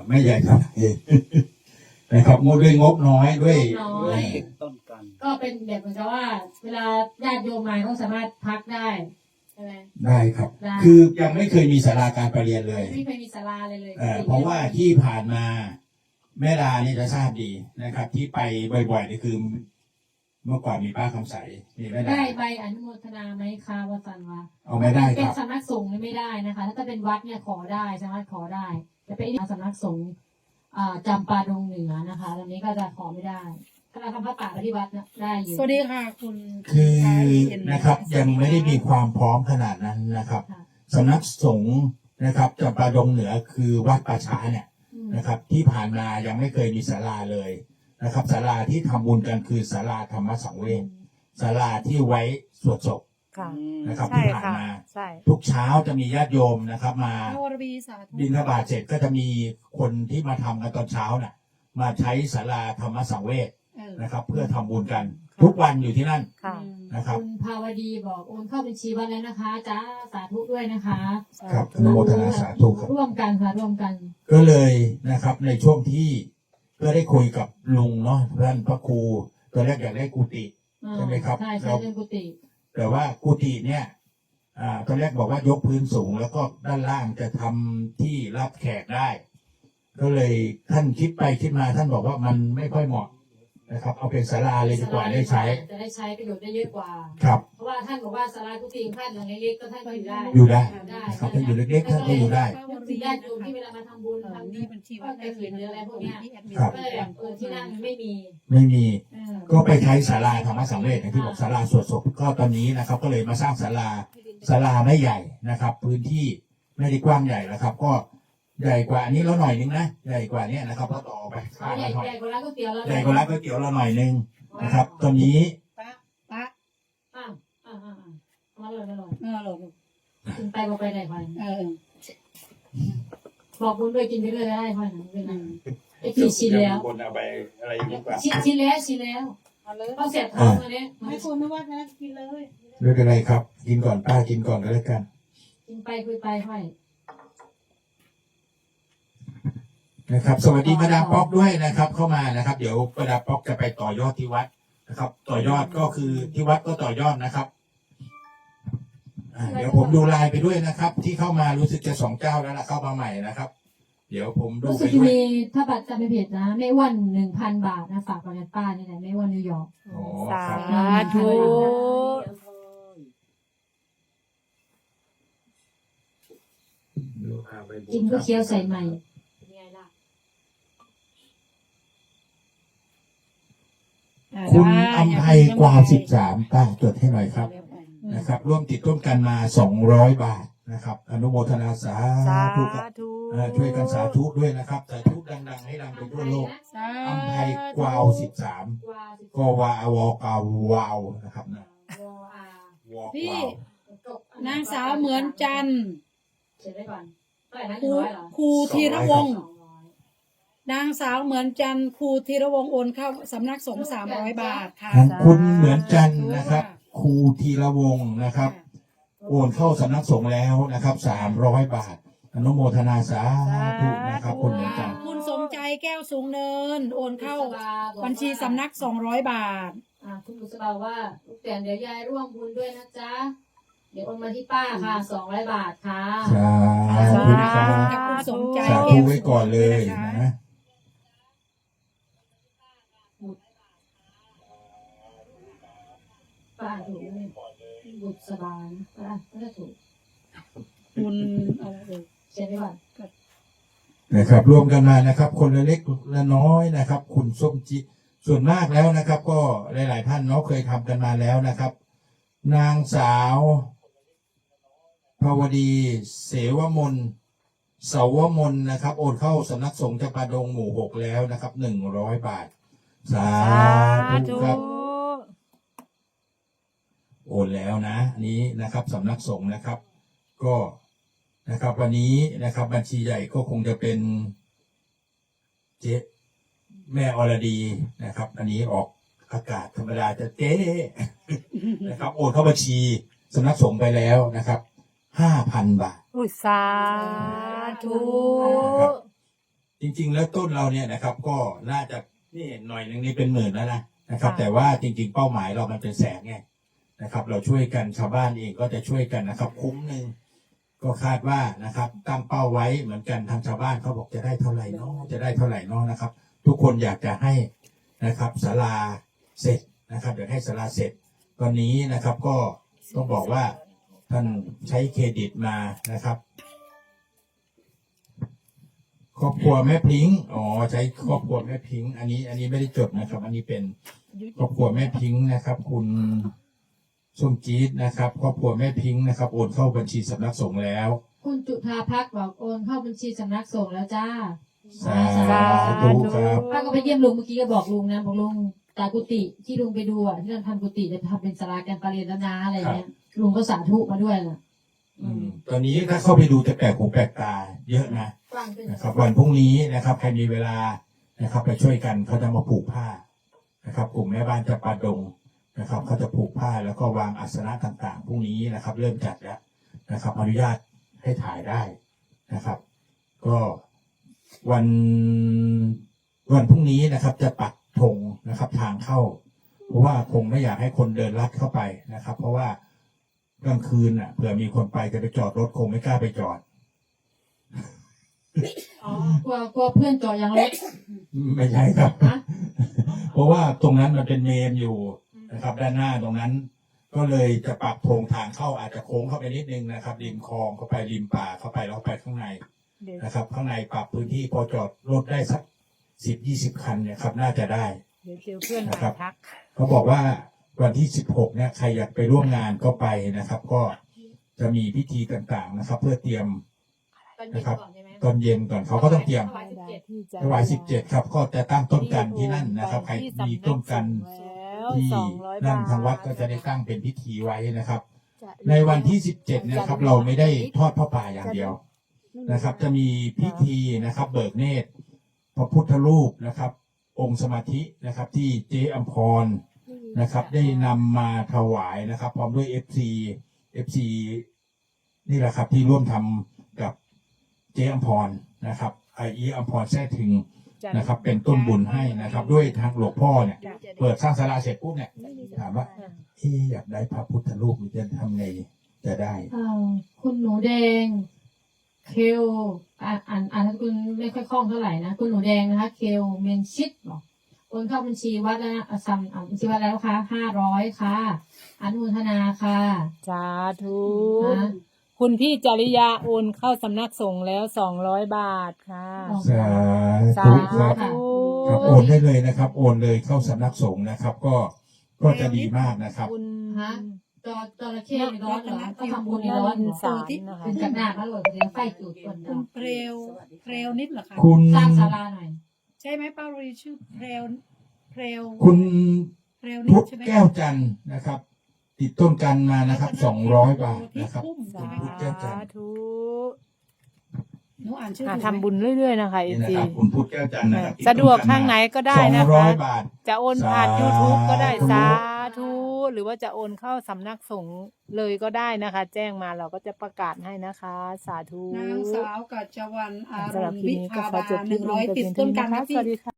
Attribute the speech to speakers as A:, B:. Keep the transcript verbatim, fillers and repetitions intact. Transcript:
A: ไม่ใหญ่เท่าไหร่นะครับงบด้วยงบน้อยด้วย
B: น้อย
C: ต้นกัน
B: ก็เป็นแบบเหมือนกับว่า เวลาญาติโยมมาเขาสามารถพักได้ใช่ไหม
A: ได้ครับ
B: ได้
A: คือยังไม่เคยมีศาลาการประเรียนเลย
B: ไม่เคยมีศาลาเลยเลย
A: เอ่อเพราะว่าที่ผ่านมาแม่ดานี่จะทราบดีนะครับ ที่ไปบ่อยๆนี่คือ เมื่อก่อนมีป้าคำใสมีแม่ดา
B: ได้ใบอนุโมทนาไหมคะวสันต์วะ
A: เอาไม่ได้ค
B: เป็น
A: รับ
B: สำนักสงฆ์ไม่ได้นะคะ ถ้าเป็นวัดเนี่ยขอได้สามารถขอได้แต่เป็นสำนักสงฆ์อ่าจำปาดงเหนือนะคะตอนนี้ก็จะขอไม่ได้ถ้าเราทำพระป่าที่วัดนะได้อยู่
D: สวัสดีค่ะคุณ
A: คือนะครับยังไม่ได้มีความพร้อมขนาดนั้นนะครับ
B: ค่ะ
A: สำนักสงฆ์นะครับจำปาดงเหนือคือวัดป่าช้าเนี่ย
B: อืม
A: นะครับ ที่ผ่านมายังไม่เคยมีศาลาเลยนะครับศาลาที่ทำบุญกันคือศาลาธรรมสังเวชศาลาที่ไว้สวดศพ
E: ค่ะ
A: นะครับ
E: ใช่
A: ที่ผ่าน
E: ค่ะ
A: มา
E: ใช่
A: ทุกเช้าจะมีญาติโยมนะครับ มา
D: พระวรบีสาธุ
A: บิณฑบาตเสร็จก็จะมีคนที่มาทำกันตอนเช้าน่ะ มาใช้ศาลาธรรมสังเวช
D: เออ
A: นะครับ เพื่อทำบุญกัน ทุกวันอยู่ที่นั่น
E: ค่ะ
A: นะครับ
B: คุณภาวดีบอกโอนเข้าบัญชีวัดแล้วนะคะจ้าสาธุด้วยนะคะ
A: ครับอนุโมทนาสาธุครับ
B: ร่วมกันค่ะร่วมกัน
A: ก็เลยนะครับในช่วงที่ก็ได้คุยกับลุงเนาะท่านพระครูตอนแรกอยากได้กุฏิ
B: อ่า
A: ใช่ไหมครับ
B: ใช่ใช่เรื่องกุฏิ
A: แต่ว่ากุฏิเนี่ยอ่าตอนแรกบอกว่ายกพื้นสูง แล้วก็ด้านล่างจะทำที่รับแขกได้ ก็เลยท่านคิดไปคิดมาท่านบอกว่ามันไม่ค่อยเหมาะนะครับ เอาเป็นศาลาเลยดีกว่าได้ใช้
B: จะได้ใช้ประโยชน์ได้เยอะกว่า
A: ครับ
B: เพราะว่าท่านบอกว่าศาลากุฏิของท่านหลังเล็กๆก็ท่านก็อยู่ได้
A: อยู่ได้
B: ได้
A: นะครับถ้าอยู่เล็กๆท่านก็อยู่ได้
B: นึกถึงญาติโยมที่เวลามาทำบุญ
D: เออ
B: ทำ
D: นี่บัญชีวัด
B: ก็จะเขียนหรืออะไรพวกเนี้ย
D: ที่แอดมิน
A: ครับ
B: ก็เลยแบบเออที่นั่งไม่มี
A: ไม่มี
B: เออ
A: ก็ไปใช้ศาลาธรรมสังเวชอย่างที่บอกศาลาสวดศพก็ตอนนี้นะครับ ก็เลยมาสร้างศาลาศาลาไม่ใหญ่นะครับ พื้นที่ไม่ได้กว้างใหญ่นะครับ ก็ใหญ่กว่าอันนี้แล้วหน่อยนึงนะใหญ่กว่านี้นะครับก็ต่อไปข้าง
B: ใหญ่
A: ละหน่อย
B: ใหญ่กว่าร้านก๋วยเตี๋ยวแล้ว
A: ใหญ่กว่าร้านก๋วยเตี๋ยวเราหน่อยนึงนะครับ ตอนนี้
D: ปะปะ
B: อ่าอ่าอ่าอ่ามาเลยมาเลย
D: เออหลบ
B: กินไปบอกไปไหนไป
D: เออ
B: บอกบุญด้วยกินไปเรื่อยได้พ่อหนังด้วย
D: อื
B: นะ
D: ม
B: ไอ้ที่ชินแล้ว
A: คนเอาไปอะไรดีกว่า
B: ชินชินแล้วชินแล้ว
D: เอาเลย
B: เขาเสียบท้องมาเนี่ย
D: ไม่ควรไม่ว่านะกินเลย
A: ไม่เป็นไรครับ กินก่อนป้ากินก่อนก็แล้วกัน
B: กินไปคุยไปค่อย
A: นะครับ สวัสดีมาดามป๊อกด้วยนะครับ เข้ามานะครับ เดี๋ยวมาดามป๊อกจะไปต่อยอดที่วัดนะครับ ต่อยอดก็คือที่วัดก็ต่อยอดนะครับอ่าเดี๋ยวผมดูไลน์ไปด้วยนะครับ ที่เข้ามารู้สึกจะสองเจ้าแล้วล่ะเข้ามาใหม่นะครับ เดี๋ยวผมดู
B: รู้
A: ไป
B: สึก
A: ด้วย
B: มีถ้าบัตรจำไม่ผิดนะไม่อ้วนหนึ่งพันบาทนะฝากกับป้านี่แหละไม่อ้วนนิวยอร์ก
A: อ๋อ
E: สา
A: ครับ
E: ธุ
A: ดูพาไปบุญ
B: กินก็เคี้ยวใส่ใหม่เป็นไงล่ะ
A: คุณอำไพกวาวสิบสามป้าจดให้หน่อยครับนะครับ ร่วมติดต้นกันมาสองร้อยบาทนะครับ อนุโมทนาสา
E: สา
A: ธุครับ
E: ธุ
A: เอ่อช่วยกันสาธุด้วยนะครับสาธุดังๆให้ดังไปทั่วโลก
D: สา
A: อำไพกวาวสิบสาม
B: กวาสิบ
A: กวาวอกาวาวนะครับนะ
B: วออาว
A: อก
D: พี่
A: วาว
B: จบ
D: นางสาวเหมือนจันทร์
B: เขียนไว้ก่อนเท่าไหร่นะ
D: ครู
B: ร้อยเหรอ
D: ครูธีรวงศ์
B: สองร้อย
D: นางสาวเหมือนจันทร์ครูธีรวงศ์โอนเข้าสำนักสงฆ์สามร้อยบาทค่ะ
A: ของคุณเหมือนจันทร์นะครับครูธีรวงศ์นะครับ โอนเข้าสำนักสงฆ์แล้วนะครับสามร้อยบาท อนุโมทนาสาธุนะครับ คุณเหมือนจันทร์
D: คุณสมใจแก้วสูงเนิน โอนเข้า
B: บุษบาบอกว่า
D: บัญชีสำนักสองร้อยบาท
B: อ่าคุณบุษบาว่าลูกแต่เดี๋ยวยายร่วมบุญด้วยนะจ๊ะเดี๋ยวโอนมาที่ป้าค่ะสองร้อยบาทค่ะ
A: สาธุครับ
D: กับคุณสมใจ
A: สาธุไว้ก่อนเลยนะ
B: ป้าถูกไหมบุษบาป้าก็จะถูก
D: คุณอะไรเอ่ย
B: เขียนไว้ก่อน
A: นะครับร่วมกันมานะครับ คนละเล็กละน้อยนะครับ คุณส้มจิส่วนมากแล้วนะครับ ก็หลายๆท่านเนาะเคยทำกันมาแล้วนะครับ นางสาวภาวดีเสวมนเสาวมนนะครับ โอนเข้าสำนักสงฆ์จำปาดงหมู่หกแล้วนะครับหนึ่งร้อยบาท สา
E: สา
A: ธุ
E: ธุ
A: ครับ โอนแล้วนะอันนี้นะครับสำนักสงฆ์นะครับ ก็นะครับ วันนี้นะครับ บัญชีใหญ่ก็คงจะเป็นเจ๊แม่อรดีนะครับ อันนี้ออกอากาศธรรมดาจะเจ๊นะครับ โอนเข้าบัญชีสำนักสงฆ์ไปแล้วนะครับห้าพันบาท
E: อุยสาธุ
A: นะครับ จริง ๆ แล้วต้นเราเนี่ยนะครับ ก็น่าจะนี่เห็นหน่อยหนึ่งนี่เป็นหมื่นแล้วนะนะครับ แต่ว่าจริง ๆ เป้าหมายเรามันเป็นแสนไงนะครับ เราช่วยกันชาวบ้านเองก็จะช่วยกันนะครับ คุ้มหนึ่งก็คาดว่านะครับตั้งเป้าไว้เหมือนกันทางชาวบ้านเขาบอกจะได้เท่าไหร่เนาะจะได้เท่าไหร่เนาะนะครับ ทุกคนอยากจะให้นะครับศาลาเสร็จนะครับอยากให้ศาลาเสร็จตอนนี้นะครับก็ต้องบอกว่าท่านใช้เครดิตมานะครับครอบครัวแม่พิงค์อ๋อใช้ครอบครัวแม่พิงค์อันนี้ อันนี้ไม่ได้จดนะครับ อันนี้เป็นครอบครัวแม่พิงค์นะครับ คุณส้มจี๊ดนะครับครอบครัวแม่พิงค์นะครับโอนเข้าบัญชีสำนักสงฆ์แล้ว
B: คุณจุธาพักบอกโอนเข้าบัญชีสำนักสงฆ์แล้วจ้า
A: สาธุครับ
B: ป้าก็ไปเยี่ยมลุงเมื่อกี้ก็บอกลุงนะบอกลุงตากุฏิที่ลุงไปดูอ่ะที่เราทำกุฏิจะทำเป็นศาลาการประเรียนแล้วนะอะไรเงี้ยลุงก็สาธุมาด้วยนะ
A: อืมตอนนี้ถ้าเข้าไปดูจะแปลกหูแปลกตาเยอะนะ
B: ฟังเป็น
A: นะครับ วันพรุ่งนี้นะครับใครมีเวลานะครับ ไปช่วยกันเขาจะมาผูกผ้านะครับ กลุ่มแม่บ้านจะปาดงนะครับเขาจะผูกผ้าแล้วก็วางอาสนะต่างๆพรุ่งนี้นะครับ เริ่มจัดแล้วนะครับอนุญาตให้ถ่ายได้นะครับ ก็วันวันพรุ่งนี้นะครับ จะปักธงนะครับทางเข้า เพราะว่าคงไม่อยากให้คนเดินลัดเข้าไปนะครับ เพราะว่ากลางคืนอ่ะเผื่อมีคนไปจะไปจอดรถคงไม่กล้าไปจอด
B: อ๋อกลัวกลัวเพื่อนจอดยังเล็ก
A: ไม่ใช่ครับ
B: ฮะ
A: เพราะว่าตรงนั้นมันเป็นเมนอยู่นะครับ ด้านหน้าตรงนั้น ก็เลยจะปรับโพรงทางเข้าอาจจะโค้งเข้าไปนิดนึงนะครับริมคลองเข้าไปริมป่าเข้าไปแล้วไปข้างในนะครับ ข้างในปรับพื้นที่พอจอดรถได้สักสิบยี่สิบคันเนี่ยครับน่าจะได้
C: เดี๋ยวเจอเพื่อน
A: นะครับ
C: ทัก
A: เขาบอกว่าวันที่สิบหกเนี่ยใครอยากไปร่วมงานก็ไปนะครับ ก็จะมีพิธีต่างๆนะครับ เพื่อเตรียม
B: ตอนเย็นก่อนใช่ไหม
A: ตอนเย็นก่อนเขาก็ต้องเตรียม
B: ถวายสิบเจ็ด
C: ที่จะ
A: ถวายสิบเจ็ดครับ ก็จะตั้งต้นกันที่นั่นนะครับ ใครมีต้นกัน
C: แล้ว
A: ที่
C: สองร้อย
A: นั่น
C: บาท
A: ทางวัดก็จะได้ตั้งเป็นพิธีไว้นะครับ
C: จะ
A: ในวันที่สิบเจ็ดนะครับ เราไม่ได้ทอดพระป่าอย่างเดียวนะครับ จะมีพิธีนะครับ เบิกเนตรพระพุทธรูปนะครับ องค์สมาธินะครับ ที่เจ๊อัมพรนะครับ ได้นำมาถวายนะครับ พร้อมด้วย เอฟ ซี เอฟ ซี นี่แหละครับที่ร่วมทำกับเจ๊อัมพรนะครับไอเออัมพรแท้ถึงนะครับ เป็นต้นบุญให้นะครับ ด้วยทางหลวงพ่อเนี่ย เปิดสร้างศาลาเสร็จปุ๊บเนี่ยถามว่าที่อยากได้พระพุทธรูปนี่จะทำไงจะได้
B: อ่าคุณหนูแดง เคลอ่านอ่านอ่านคุณไม่ค่อยคล่องเท่าไหร่นะคุณหนูแดงนะคะ เคลเมนชิดบอกโอนเข้าบัญชีวัดแล้วนะอ่ะซัมอ่าบัญชีวัดแล้วค่ะห้าร้อยค่ะอนุโมทนาค่ะ
C: สาธุ
B: นะ
C: คุณพี่จริยาโอนเข้าสำนักสงฆ์แล้วสองร้อยบาทค่ะ
A: สา
C: สา
A: ธุครับ
C: ธุ
A: ครับโอนได้เลยนะครับ โอนเลยเข้าสำนักสงฆ์นะครับ ก็ก็จะดีมากนะครับ
C: คุณ
B: ฮะ จอจระเข้ในร้อนเหรอต้องทำบุญในร้อนเหรอ
C: สารนะคะ
B: เป็นจากหน้าพระหลวงเลี้ยงไฟจุดก่อน
D: คุณเพรวเพรวนิดเหรอคะ
A: คุณ
B: สร้างศาลาหน่อย
D: ใช่ไหมป้ารีชื่อเพรวเพรว
A: คุณ
D: เพรวนิ
A: พุ
D: ด
A: ทธ
D: ใช่ไหม
A: แก้วจันทร์นะครับ ติดต้นกันมานะครับสองร้อยบาทนะครับ
C: สา
A: พุทธแก้วจันทร์
C: ธุ
D: หนูอ่านชื่อ
C: อ่ะ
D: ถูกไหม
C: ทำบุญเรื่อยๆนะคะเอ
A: นี่นะ
C: ซี
A: ครับคุณพุทธแก้วจันทร์นะครับ
C: สะดวกทางไหนก็ได้นะ
A: สองร้อ
C: คะ
A: ยบาท
C: จะโอนผ่าน
A: สาธุ
C: YouTube ก็ได้สาธุหรือว่าจะโอนเข้าสำนักสงฆ์เลยก็ได้นะคะ แจ้งมาเราก็จะประกาศให้นะคะ สาธุ
D: นางสาวกัจจวรรณอาร
C: สำหรับ
D: มณ์
C: คลิป
D: วิ
C: นี้ก็
D: ภา
C: ขอบ
D: า
C: จบ
D: ห
C: คลิ
D: นึ่
C: ป
D: ง
C: ล
D: ร้
C: ง
D: อย
C: แต่
D: ติ
C: เพี
D: ด
C: ยง
D: ต้
C: เท่าน นี้
D: กัน
C: นะคะ
D: นะ
C: ส
D: พี่
C: วัสดีค่ะ